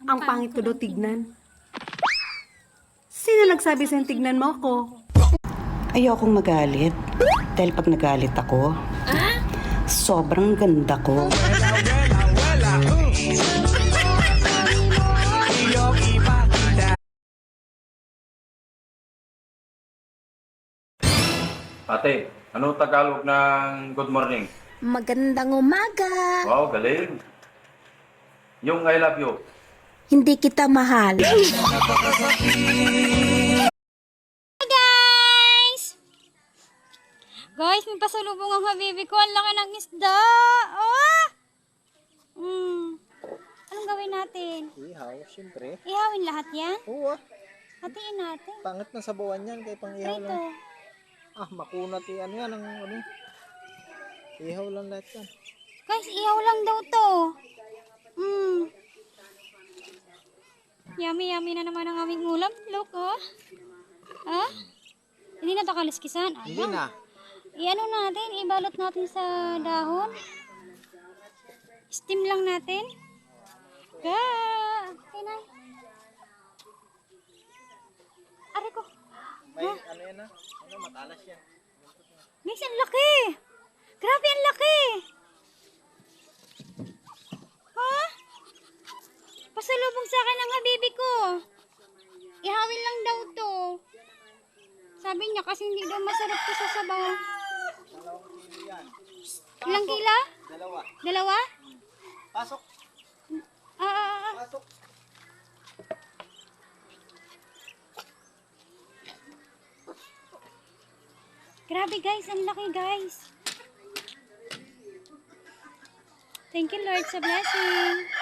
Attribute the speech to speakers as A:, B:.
A: Ang pangit ko daw tignan. Sino nagsabi sa'yo tignan mo ako?
B: Ayokong magalit. Dahil pag nagalit ako, sobrang ganda ko.
C: Ate, ano Tagalog ng good morning?
D: Magandang umaga.
C: Wow, galing. Yung I love you.
D: Hindi kita mahal.
E: Guys, may pasalubong ang habibi ko. Ang laki ng isda. Oh! Anong gawin natin?
F: Ihaw, siyempre.
E: Ihawin lahat yan?
F: Oo,
E: Hatiin natin.
F: pangit na sabawan yan kay pang ihaw
E: Prito.
F: lang. Makunat ano yan, ang ano. Ihaw lang lahat yan.
E: Guys, ihaw lang daw to. Yummy, yummy na naman ang aming ulam. Look, oh. Hindi na to kaliskisan.
F: Hindi na.
E: I-ano natin, ibalot natin sa dahon. Steam lang natin. Okay na. Aray ko.
F: May ano yan na? Ano, matalas yan.
E: Guys, ang laki. Grabe, ang laki. Ha? Pasalubong sa akin ng habibi ko. Ihawin lang daw to. Sabi niya kasi hindi daw masarap to sa sabaw. Ilang kila?
F: Dalawa.
E: Dalawa?
F: Pasok. Pasok.
E: Grabe guys, ang laki guys. Thank you Lord sa blessing.